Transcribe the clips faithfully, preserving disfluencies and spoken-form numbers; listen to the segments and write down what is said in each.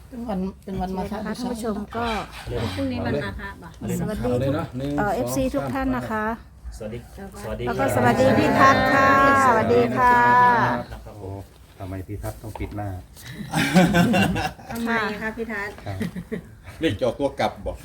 เป็นวันเป็นวันมาฆะท่านผู้ชมก็พรุ่งนี้วันมาฆะบ่ะสวัสดีทุกเอ่อฟซีทุกท่านนะคะสวัสดีสวัสดีแล้วก็สวัสดีพี่ทัศน์ค่ะสวัสดีค่ะนะครับผโอ้มทำไมพี่ทัศน์ต้องปิดหน้าทำไมคะพี่ทัศน์ครับเรียกจอตัวกลับบอก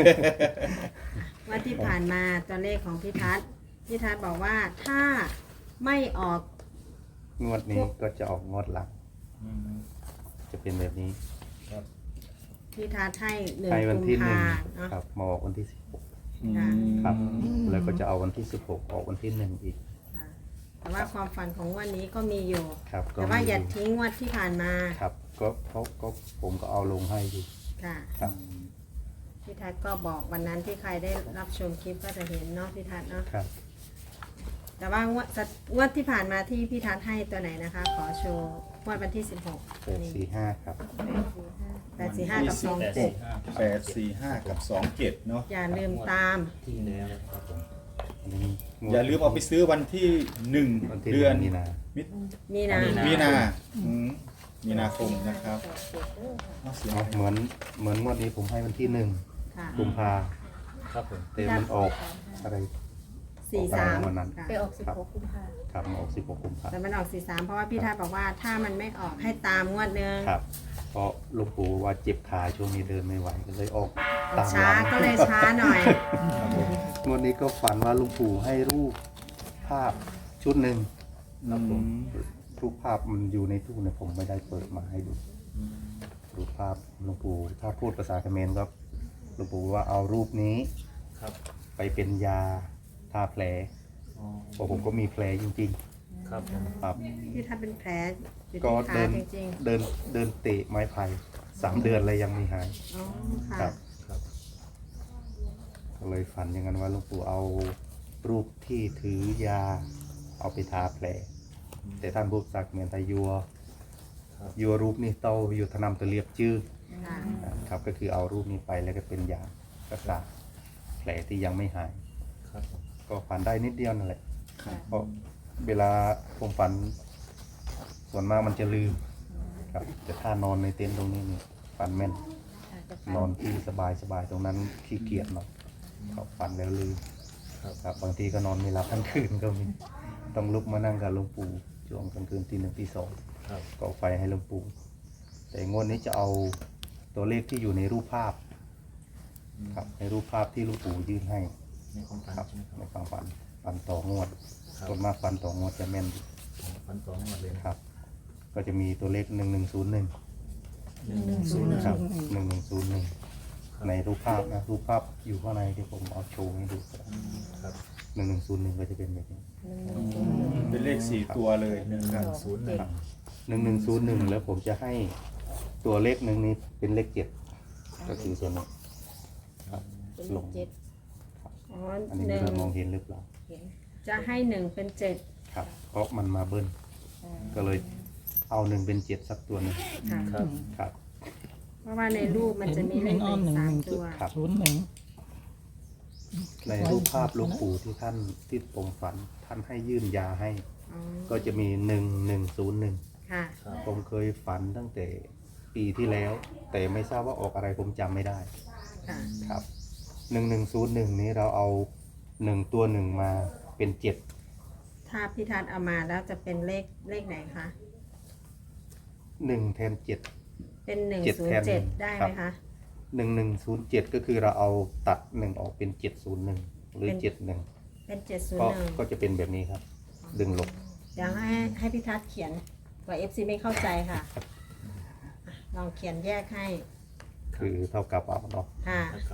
ว่าที่ผ่านมาตัวเลขของพี่ทัศน์พี่ทัศน์บอกว่าถ้าไม่ออกงวดนี้ก็จะออกงวดหลังอืมจะเป็นแบบนี้ครับพี่ทัศน์ให้หนึ่งให้วันกุมที่หนึ่งภาเนาะครับมาออกวันที่สิบหกค่ะครับ แล้วก็จะเอาวันที่สิบหกออกวันที่หนึ่งอีกค่ะแต่ว่าความฝันของวันนี้ก็มีอยู่ครับก็แต่ว่าอย่ามีทิ้งงวดที่ผ่านมาครับก็เขาก็ผมก็เอาลงให้อยู่ค่ะครับพี่ทัศน์ก็บอกวันนั้นที่ใครได้รับชมคลิปก็จะเห็นเนาะพี่ทัศน์เนาะครับแต่ว่างวดงวดที่ผ่านมาที่พี่ทัศน์ให้ตัวไหนนะคะ ขอโชว์งวดวันที่สิบหกแปดสี่ห้าครับแปดสี่ห้ากับสองเจ็ดแปดสี่ห้ากับสองเจ็ดเนาะอย่าลืมตามที่แล้วนะครับผมอันนี้งวดอย่าลืมเอาไปซื้อวันที่หนึ่งวันที่เดือนมีนามิมีนามีนาอืมมีนาคมนะครับเอาเสียงเอาเหมือนเหมือนงวดนี้ผมให้วันที่หนึ่งค่ะกุมภาครับผมแต่มันออกอะไรสี่สามวันนั้นค่ะไปออกสิบหกกุมภาครับมาออกสิบหกกุมภาแต่มันออกสี่สามเพราะว่าพี่ทัศน์บอกว่าถ้ามันไม่ออกให้ตามงวดหนึงครับ เพราะหลวงปู่ว่าเจ็บขาช่วงนี้เดินไม่ไหวก็เลยออกตามช้าหลังก็เลยช้าหน่อยครับผมงวดนี้ก็ฝันว่าหลวงปู่ให้รูปภาพชุดหนึ่งครับผมรูปภาพมันอยู่ในตู้เนี่ยผมไม่ได้เปิดมาให้ดูรูปภาพหลวงปู่ถ้าพูดภาษาเขมรก็หลวงปู่ว่าเอารูปนี้ครับไปเป็นยาทาแผลอ๋อเพราะผมก็มีแผลจริงครับผมๆครับพี่ทัศน์เป็นแผลอยู่ก็ที่ขาเดินจริงเดินเดินเตะไม้ไผ่สามเดือนเลยยังไม่หายๆอ๋อค่ะครับครับก็เลยฝันอย่างนั้นว่าหลวงปู่เอารูปที่ถือยาเอาไปทาแผล แต่ท่านพูดสักเหมือนไทยยัวครับยัวรูปนี่เต้าอยู่ทนำตะเลียบจื้อค่ะครับก็คือเอารูปนี้ไปแล้วก็เป็นยารักษาแผลที่ยังไม่หายครับผมก็ฝันได้นิดเดียวนั่นแหละเพราะเวลาผมฝัน ส่วนมากมันจะลืมครับแต่ถ้านอนในเต็นท์ตรงนี้นี่ฝันแม่น นอนที่สบายสบายๆตรงนั้นขี้เกียจหน่อยเขาฝันแล้วลืมครับบางทีก็นอนไม่หลับทั้งคืนก็มีต้องลุกมานั่งกับหลวงปู่ช่วงกลางคืนตีหนึ่งตีสองครับก่อไฟให้หลวงปู่แต่งวดนี้จะเอาตัวเลขที่อยู่ในรูปภาพครับในรูปภาพที่หลวงปู่ยื่นให้ในความฝันครับใช่ไหมครับในความฝันฝันต่องวดครับส่วนมากฝันต่องวดจะแม่นดีฝันสองหมดเลยนะครับ ก็จะมีตัวเลขหนึ่งหนึ่งศูนย์หนึ่งหนึ่งหนึ่งศูนย์ครับหนึ่งหนึ่งศูนย์หนึ่งในรูปภาพนะรูปภาพอยู่ข้างในที่ผมเอาโชว์ให้ดูครับหนึ่งหนึ่งศูนย์หนึ่งก็จะเป็นแบบนี้เป็นเลขสี่ตัวเลยหนึ่งนะครับศูนย์หนึ่งหนึ่งหนึ่งศูนย์หนึ่งแล้วผมจะให้ตัวเลขหนึ่งนี้เป็นเลขเจ็ดก็คือส่วนนี้ครับลงอ๋ออันนี้หไม่นึ่งรู้มองเห็นหรือเปล่าจะให้หนึ่งเป็นเจ็ดครับ เพราะมันมาเบิ้ลก็เลยเอาหนึ่งเป็นเจ็ดสักตัวหนึ่งค่ะครับครับเพราะว่าในรูปมันจะมีเลเห็นขอ้อมหหนึ่นึ่งงหสามนึ่งจุตัดวครับศูนย์หนึ่งในรูปภาพหลวงปู่ที่ท่านที่ผมฝันท่านให้ยื่นยาให้อ๋อก็จะมีหนึ่งหนึ่งศูนย์หนึ่งค่ะครับผมเคยฝันตั้งแต่ปีที่แล้ว แต่ไม่ทราบว่าออกอะไรผมจำไม่ได้ค่ะครับหนึ่งหนึ่งศูนย์หนึ่งนี้เราเอาหนึ่งตัวหนึ่งมาเป็นเจ็ดถ้าพี่ทัศน์เอามาแล้วจะเป็นเลขเลขไหนคะหนึ่งแทนเจ็ดเป็นหนึ่งเจ็ดศูนแทย์นเจ็ดหนึ่งได้ครัไหมบคะหนึ่งหนึ่งศูนย์เจ็ดก็คือเราเอาตัดหนึ่งออกเป็นเจ็ดศูนย์หนึ่งหรือเป็นเจ็ดหนึ่งเป็นเจ็ดศูนก็ย์หนึ่งก็จะเป็นแบบนี้ครับ ดึงลบเดี๋ยวให้ให้พี่ทัศน์เขียนกว่าเอฟซีไม่เข้าใจค่ะอ่ะลองเขียนแยกให้คือเท่ากับเอาเนาะค่ะนะครับ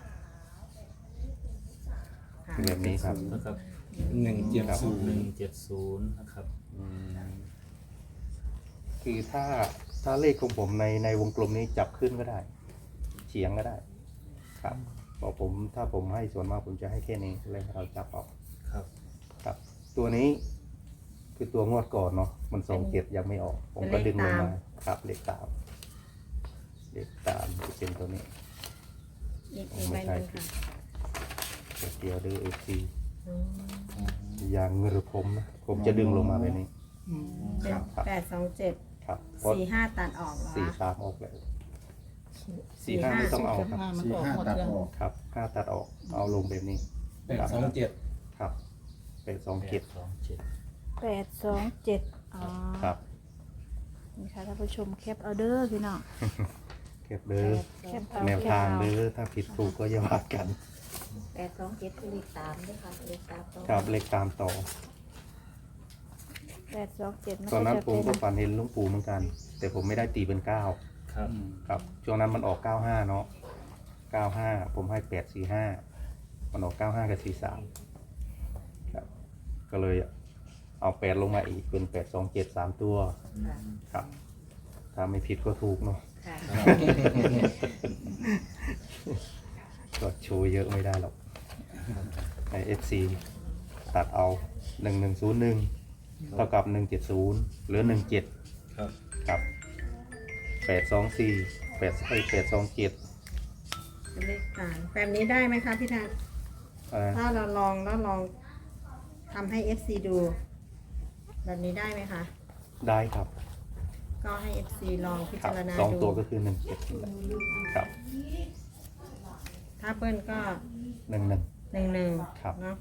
ค่ะแบบนี้ครับนะครับหนึ่งเจ็ดศูนหนึ่งย์เจ็ดศูนย์นะครับคือถ้าถ้าเลขของผมในในวงกลมนี้จับขึ้นก็ได้ เฉียงก็ได้ ครับบอกผมถ้าผมให้ส่วนมากผมจะให้แค่นี้เลยให้เราจับออกครับครับ ตัวนี้คือตัวงวดก่อนเนาะมันสองเจ็ดยังไม่ออก ผมก็ดึงลงมาครับเลขตามเลขตามจะเป็นตัวนี้อีกอีกใบหนึงค่ะเดี๋ยวดูเอฟซีอืมอย่างเงือผมนะผมจะดึงลงมาแบบนี้เป็นครับแปดสองเจ็ดครับเพราะสี่ห้าตัดออกเหรอสี่คะสามออกแล้วสี่ห้าไม่ต้องเอาครับสี่ห้าตัดออกครับห้าตัดออกเอาลงแบบนี้แปดสองเจ็ดครับเป็นสองแปเจ็ดดสองเจ็ดแปดสองเจ็ดอ๋อครับนี่ค่ะท่านผู้ชมแคปเอาเด้อพี่น้องเก็บเด้อแคปเอาแนวแคปทางเอาเด้อถ้าผิดถูกก็อย่าว่ากันแปดสองเจ็ดคือเลขสามด้วยค่ะเลขสามต้องครับเลขตามต่อแปดสองเจ็ดมันตอนนั้นก็จะผมเป็นก็ฝันเห็นหลุงปู่เหมือนกัน แต่ผมไม่ได้ตีเป็นเก้าครับครับช่วงนั้นมันออกเก้าห้าเนาะเก้าห้าผมให้แปดสี่ห้ามันออกเก้าห้ากับสี่สามครับก็เลยเอาแปดลงมาอีกเป็นแปดสองเจ็ดสามตัวค่ะครับถ้าไม่ผิดก็ถูกเนาะค่ะก็โชว์เยอะไม่ได้หรอกใน เอฟ ซี ตัดเอาหนึ่งหนึ่งศูนย์หนึ่งเท่ากับหนึ่งเจ็ดศูนย์หรือหนึ่งเจ็ดครับครับแปดสองสี่แปดแปดสองเจ็ดเป็นเลขสามแบบนี้ได้ไหมคะพี่ทัศน์ถ้าเราลองแล้วลองทำให้ เอฟ ซี ดู แบบนี้ได้ไหมคะได้ครับก็ให้ เอฟ ซี ลองพิครัจารณาสองดูตัวก็คือหนึ่งเจ็ดครับถ้าเปิ้ลก็หนึ่งหนึ่งหนึ่งหนึ่งครับเนาะ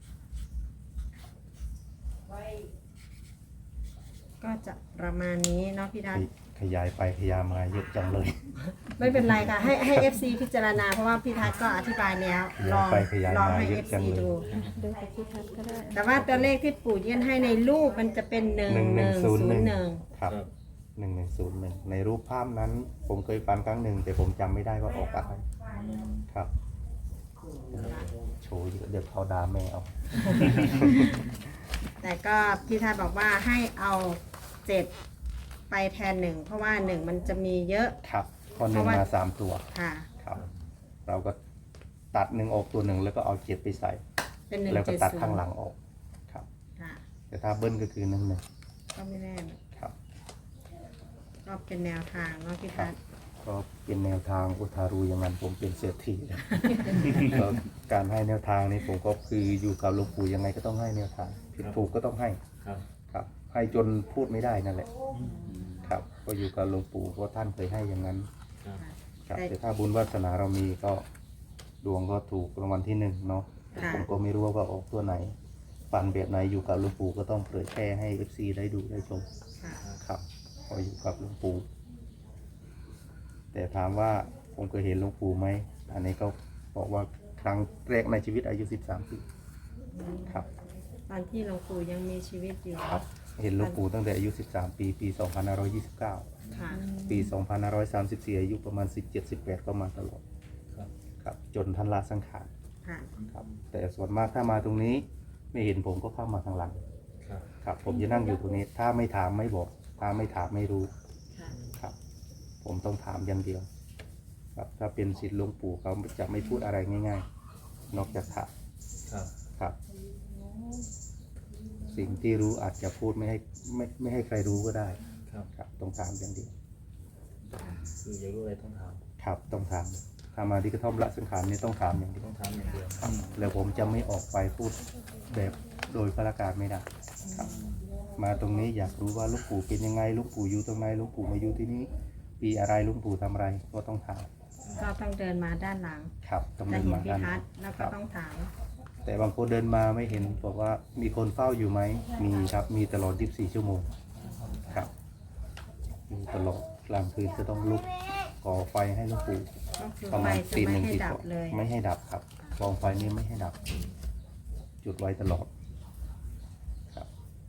ก็จะประมาณนี้เนาะพี่ทัศน์ขยายไปขยายมาเยอะจังเลยไม่เป็นไรค่ะ ให้ให้ เอฟ ซี พิจารณาเพราะว่าพี่ทัศน์ก็อธิบายแล้วลองขยายไปขยายลองมาให้เยเออะฟจังซีเลยดูดูกับพี่ทัศน์ก็ได้แต่ว่าตัวเลขที่ปู่ยื่นให้ในรูปมันจะเป็นหนึ่งหนึ่งหหนึ่นึ่งงศูศูนนย์หนึ่งย์หนึ่งครับหนึ่งหนึ่งศูนย์หนึ่งในรูปภาพนั้น ผมเคยฟันครั้งหนึ่งแต่ผมจำไม่ได้ว่าออกอะไรครับโชว์เยอะเดี๋ยวเขาด่าแม่เอาแต่ก็พี่ทัศน์บอกว่าให้เอาเจ็ดไปแทนหนึ่งเพราะว่าหนึ่งมันจะมีเยอะครับพอหนึ่งมาสามตัวค่ะครับ เราก็ตัดหนึ่งออกตัวหนึ่งแล้วก็เอาเจ็ดไปใส่เป็นหนึ่งแล้วก็เจ็ดตัดศูนข้างย์หลังออกครับค่ะแต่ถ้าเบิ้ลก็คือหนึ่งหนึ่งก็ไม่แน่ครับก็เป็นแนวทางเนาะพี่ครัทับศน์ก็เป็นแนวทางอุทารูอย่างนั้นผมเป็นเศรษฐีแล้ว ก็การให้แนวทางนี้ผมก็คืออยู่กับหลวงปู่ยังไงก็ต้องให้แนวทางผิดถูกก็ต้องให้ครับครับ ให้จนพูดไม่ได้นั่นแหละ ครับก็อยู่กับหลวงปู่เพราะท่านเคยให้อย่างนั้นครับครับแต่ถ้าบุญวาสนาเรามีก็ดวงก็ถูกรางวัลที่หนึ่งเนาะค่ะผมก็ไม่รู้ว่าออกตัวไหนฝันแบบไหนอยู่กับหลวงปู่ก็ต้องเผยแพร่ให้เอฟซีได้ดูได้ชมค่ะครับก็อยู่กับหลวงปู่แต่ถามว่าผมเคยเห็นหลวงปู่ไหมอันนี้ก็บอกว่าครั้งแรกในชีวิตอายุสิบสามปีครับตอนที่หลวงปู่ยังมีชีวิตอยู่ครับ เห็นหลวงปู่ตั้งแต่อายุสิบสามปีปีสองพันห้าร้อยยี่สิบเก้าค่ะปีสองพันห้าร้อยสามสิบสี่อายุประมาณสิบเจ็ด สิบแปดก็มาตลอดครับครับจนท่านละสังขารค่ะครับแต่ส่วนมากถ้ามาตรงนี้ไม่เห็นผมก็เข้ามาข้างหลังครับครับ ผมจะนั่งอยู่ตรงนี้ ถ้าไม่ถามไม่บอก ถ้าไม่ถามไม่รู้ค่ะครับ ผมต้องถามอย่างเดียว ครับถ้าเป็นศิษย์หลวงปู่เขาจะไม่พูดอะไรง่ายๆ นอกจากถามครับครับ สิ่งที่รู้อาจจะพูดไม่ให้ไม่ไม่ให้ใครรู้ก็ได้ครับครับต้องถามอย่างเดียวคืออยากรู้อะไรต้องถามครับต้องถามถ้ามาที่กระท่อมละสังขารนี่ต้องถามอย่างเดียวต้องถามอย่างเดียวครับแล้วผมจะไม่ออกไปพูดแบบโดยพระการไม่ได้ครับ มาตรงนี้อยากรู้ว่าหลูกปู่เป็นยังไงหลูกปู่อยู่ตรงไหนหลูกปู่มาอยู่ที่นี้ ปีอะไรหลูกปู่ทำอะไรก็ต้องถามก็ต้องเดินมาด้านหลังครับต้องจะเดินเห็นมาพี่ด้านทัศน์แล้วก็ต้องถามแต่บางคนเดินมาไม่เห็นบอกว่ามีคนเฝ้าอยู่ไหมมีครับมีตลอดยี่สิบสี่ชั่วโมงครับมีตลอดกลางคืนจะต้องลุกก่อไฟให้หลูกปู่ก็คือประไฟมาณจะตีหไม่นึ่งให้ตีดัสบองเลยไม่ให้ดับครับกองไฟนี้ไม่ให้ดับ จุดไว้ตลอดครับ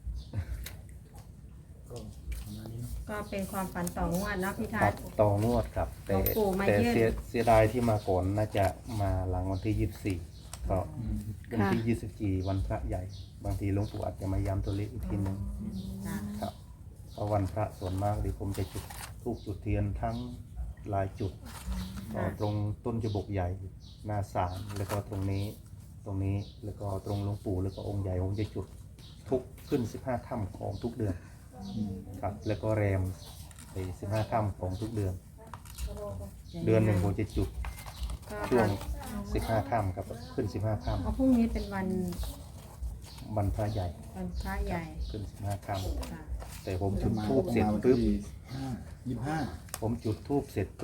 ก็ประมาณนี้เนาะก็เป็นความฝันต่องวดเนาะพี่ทัครัศบน์ต่องวดครับ แต่หลวงปู่มาแต่ยื่นเสียเสียดายที่มาก่อนน่าจะมาหลังวันที่ยี่สิบสี่ก็วันที่ยี่สิบสี่วันพระใหญ่ บางทีหลวงปู่อาจจะมาย้ำตัวเลขอีกทีหนึงจ้ะครับเพราะวันพระส่วนมากที่ผมจะจุดธูปจุดเทียนทั้งหลายจุดก็ตรงต้นจบกใหญ่หน้าศาลแล้วก็ตรงนี้ตรงนี้แล้วก็ตรงหลวงปู่แล้วก็องค์ใหญ่ผมจะจุดทุกขึ้นสิบห้าค่ำของทุกเดือนครับแล้วก็แรมไปสิบห้าค่ำของทุกเดือน เดือนหนึ่งผมจะจุดก็ช่วงสิบห้าค่ำครับขึ้นสิบห้าค่เพราะพรุ่งนี้เป็นวันำวันพระใหญ่วันพระใหญ่ขึ้นสิบห้าค่ค่ะำแต่ผมจุดมาทูบก็เสร็จมาวันปุ๊บที่ห้ายี่สิบห้าผมจุดทูบเสร็จปุ๊บ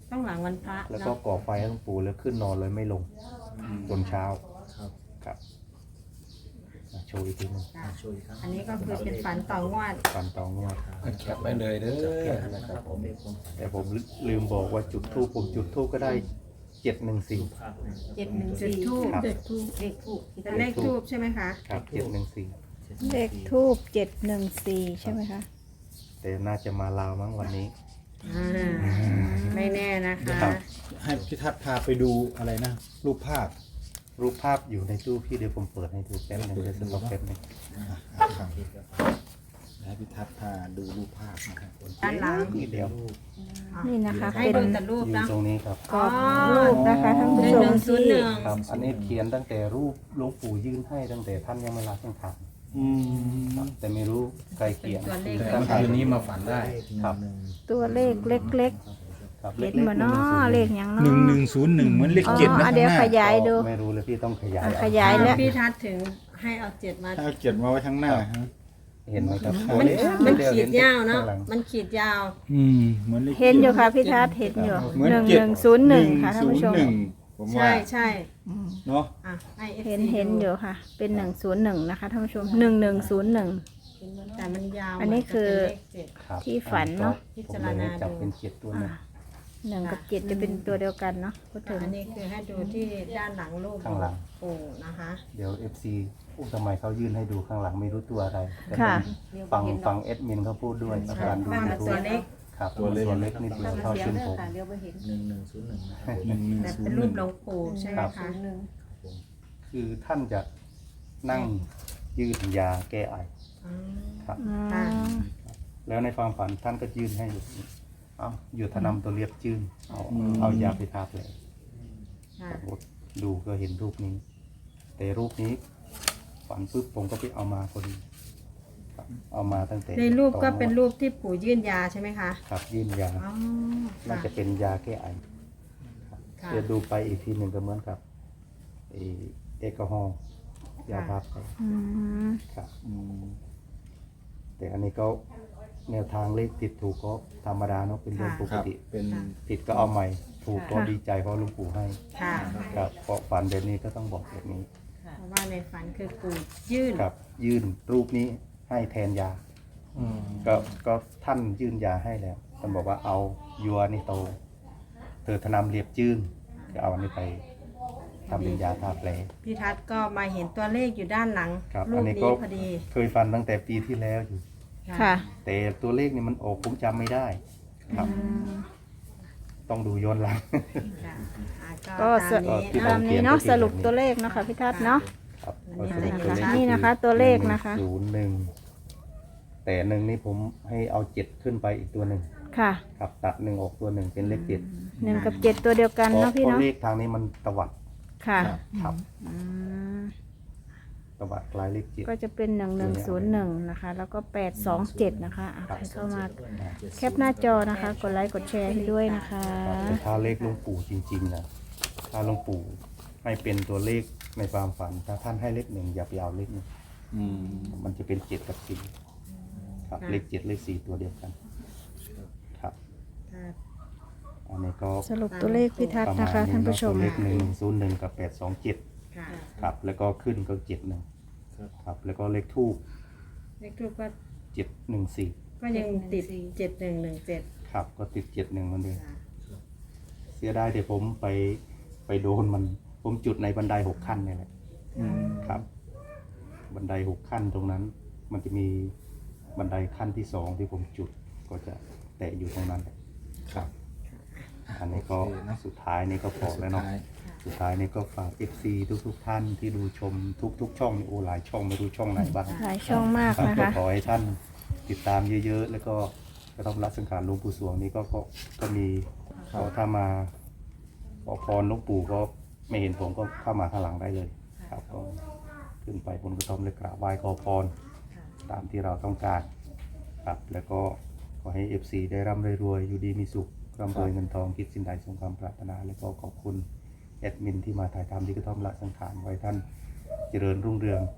ต้องหลังวันพระแล้วก็เนาะก่อไฟให้หลวงปู่แล้วขึ้นนอนเลยไม่ลงจนเช้าครับครับอ่ะโชว์อีกทีหนึงค่ะอ่าช่วยครับอันนี้ก็คือเป็นฝันต่องวดฟันตองงวดแคปไว้เลยเด้แค่อนั้นนะครับผมเป็นคนแต่ผมลืมบอกว่าจุดทูปผมจุดทูปก็ได้เจ็ดหนึ่งสี่ภาพนะครับเจ็ดหนึ่งจุดสี่ทูบครับเลขทูบเลขทูบเป็นเลขทูบใช่ไหมคะครับเจ็ดหนึ่งสี่เลขทูบเจ็ดหนึ่งสี่ใช่ไหมคะแต่น่าจะมาลาวมั้งวันนี้อ่าไม่แน่นะคะครับให้พี่ทัศน์พาไปดูอะไรนะ รูปภาพรูปภาพอยู่ในตู้พี่เดี๋ยวผมเปิดให้ดูแป๊บหนึงเดี๋ยวสต็อกแป๊บหนึงครับให้พี่ทัศน์พาดูรูปภาพนะครับด้านหลังนี่เดียวนี่นะคะให้เป็นดูแต่รูปอยู่นะตรงนี้ครับกรอบรูปนะคะท่านหผู้นึ่งชหมนึ่งศูนย์หที่นึ่งครับ อันนี้เขียนตั้งแต่รูปหลวงปู่ยื่นให้ตั้งแต่ท่านยังไม่ลาสังขารอืมครับแต่ไม่รู้ใครเขียนตัวเลขแต่เมื่อคืนนี้มาฝันได้ครับตัวเลขเล็กครับๆเห็นมาเนาะเลขอย่างหเนาะนึ่งหนึ่งศูนย์หนึ่งเหมือนเลขอ๋อเจ็ดนะอ่ะข้างเดี๋ยวหน้าขยายดูไม่รู้เลยพี่ต้องขยายอ่ะเอาขยายแล้วพี่ทัศน์ถึงให้เอาเจ็ดมาถ้าเอาเจ็ดมาไว้ข้างหน้าฮะเห็นไหมครับมันตัวมันเล็กขีดยาวเนาะข้งหลังมันขีดยาวอืมเหมือนเลขเห็นอยู่ค่ะพี่ทัศน์เห็นอยู่เหมือนหนึ่งเจ็หดนึ่งศูนย์หนึ่งค่ะท่านผู้ชมหนึ่งผมว่าใช่ใช่เนาะอ่ะให้เห็นเห็นอยู่ค่ะ เป็นหนึ่งศูนย์หนึ่งนะคะท่านผู้ชมหนึ่งหนึ่งศูนย์หนึ่งแต่มันยาวอันนี้คือมันจะเป็นเลขเจ็ดครับที่ฝันเนอะพิผมจารเลยณาจับดูเป็นเจ็ดตัวหนึงหนึ่งกับเจ็ดจะเป็นตัวเดียวกันเนาะพูดถึงอันนี้คือให้ดูที่ด้านหลังรูปข้างหลังปู่นะคะเดี๋ยว เอฟ ซี อู้ทำไมเขายื่นให้ดูข้างหลังไม่รู้ตัวอะไรแต่ค่ะฟังฟังเอดมินเขาพูดด้วยอาการดูว่ายูมันทูตัวบเล็กครับตัวเล็กนิดเดียวเท่าเส้นผมเดี๋ยวไปเห็นหนึ่งหนึ่งศูนย์หนึ่งนะครับผมหนึ่งหนึ่งแต่ศูนเป็นย์หรูนึ่ปงหลวงปู่ใช่ไหมครับคะหนึ่งคือท่านจะนั่งยืดยาแก้ไออืมครับอืค่ะมแล้วในความฝันท่านก็ยื่นให้อยู่เอาอยู่ทนำตัวเรียบจื้นเอาเอายาไปทาแผลค่ะดูก็เห็นรูปนี้ แต่รูปนี้ฝันปุ๊บผมก็ไปเอามาพอดีครับเอามาตั้งแต่ในรูปก็ตอเป็นรูปที่ปู่ยื่นยาใช่ไหมคะครับยื่นยาอ๋อน่าค่ะจะเป็นยาแก้ไอครับค่ะเดี๋ยวดูไปอีกทีหนึ่งก็เหมือนกับเออแอลกอฮอล์ยาพับไปอืมครับอืมแต่อันนี้ก็แนวทางเลขติดถูกก็ธรรมดาเนาะเป็นเรื่องปคกรับติเป็นผิดก็เอาใหม่ ถูกก็ดีใจเพราะหลุงปู่ให้ค่ะครับเพราะฝันแบบนี้ก็ต้องบอกแบบนี้เพราะว่าในฝันคือปู่ยื่นครับยื่นรูปนี้ให้แทนยาอืมก็ก็ท่านยื่นยาให้แล้วท่านบอกว่าเอายัวนี่โต เธอทนำเรียบจื้นก็เอาอันนี้ไปทำเป็นยาทาแผลพี่ทัศน์ก็มาเห็นตัวเลขอยู่ด้านหลังครับรูอัปนนี้นี้ก็พอดีเคยฟันตั้งแต่ปีที่แล้วอยู่ค่ะแต่ตัวเลขนี่มันออกผมจำไม่ได้ ครับอืมต้องดูย้อนหลังค่ะอ่ะก็ตามนี้ที่ตามเขีนี้ยนเนาะก็คือสรุปแบบนี้ตัวเลขเนาะค่ะพี่ทัศน์เนาะครับอันนี้ก็สรุปตัวเลขนี่นะคะตัวเลขนะคะศูนย์หนึ่งแต่หนึ่งนี่ผมให้เอาเจ็ดขึ้นไปอีกตัวหนึ่งค่ะครับตัดหนึ่งออกตัวหนึ่งเป็นเลขเจ็ดหนึ่งกับเจ็ดตัวเดียวกันเพราะเนาะพี่เพราะเนาะเลขทางนี้มันตวัดค่ะครับอืมตวัดคล้ายเลขเจ็ดก็จะเป็นหนึ่งหนึ่งศูนย์หนึ่งนะคะ แล้วก็แปดสองเจ็ดนะคะอ่ะใครเข้ามาแคปหน้าจอนะคะ กดไลค์กดแชร์ให้ด้วยนะคะครับแต่ถ้าเลขหลวงปู่จริงๆนะถ้าหลวงปู่ให้เป็นตัวเลขในความฝัน ถ้าท่านให้เลขหนึ่งอย่าไปเอาเลขหนึ่งอืมมันจะเป็นเจ็ดกับสี่ครับเลขเจ็ดเลขสี่ตัวเดียวกัน ครับค่ะอันนี้ก็สรุปตัวเลขพี่ทัศประน์มานะณคะนี้ท่านเนาะผู้ชตัวมเลขหนึ่งศูนย์หนึ่งกับแปดสองเจ็ดค่ะครับ แล้วก็ขึ้นก็เจ็ดหนึ่งครับแล้วก็เลขทูบเลขทูปก็เจ็ดหนึ่งสี่ก็ยังติดเจ็ดหนึ่งหนึ่งเจ็ดครับ ก็ติดเจ็ดหนึ่งมันเดียวค่ะเสียดายแต่ผมไปไปโดนมัน ผมจุดในบันไดหกขั้นนี่แหละอืมครับ บันไดหกขั้นตรงนั้น มันจะมีบันไดขั้นที่สองที่ผมจุดก็จะแตะอยู่ตรงนั้นแหละครับอันนี้ก็โอเคนะสุดท้ายนี่ก็พอแล้วเนาะสุดท้ายสุดท้ายนี่ก็ฝาก เอฟ ซี ทุกๆท่านที่ดูชมทุกๆช่องนี่โอ้หลายช่องไม่รู้ช่องไหนบ้างหลายช่องมากครับนะก็คะขอให้ท่านติดตามเยอะๆ แล้วก็กระทำรักสังขารหลวงปู่สวงนี้ก็ก็ก็มีก็ถ้ามาขอพรหลวงปู่ก็ไม่เห็นผมก็เข้ามาข้างหลังได้เลย ครับก็ขึ้นไปบนกระท่อมเลยกราบไหว้ขอพรตามที่เราต้องการครับแล้วก็ขอให้ เอฟ ซี ได้ร่ำรวยๆอยู่ดีมีสุขร่ำรวยเงินทองคิดสิ่งใดสมความปรารถนา แล้วก็ขอบคุณแอดมินที่มาถ่ายทำที่กระท่อมละสังขารไว้ท่านเจริญรุ่งเรือง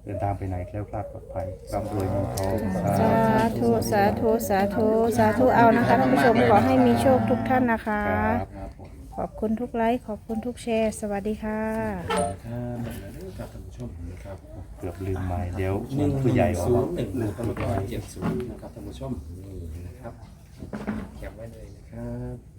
เดินทางไปไหนแคล้วคลาดปลอดภัยร่ำรวยเงินทองสาสาธุ สาธุ สาธุ สาธุ เอานะคะท่านผู้ชมขอให้มีโชคทุกท่านนะคะครับครับผมขอบคุณทุกไลค์ ขอบคุณทุกแชร์ สวัสดีค่ะครับครับท่านผู้ชมนะครับเกือบลืมไม้เดี๋ยวหนึ่งผู้ใหญ่ว่าศูนย์หนึ่งนะครับแล้วก็เจ็ดศูนย์นะครับท่านผู้ชมนี่นะครับแคปไว้เลยนะครับ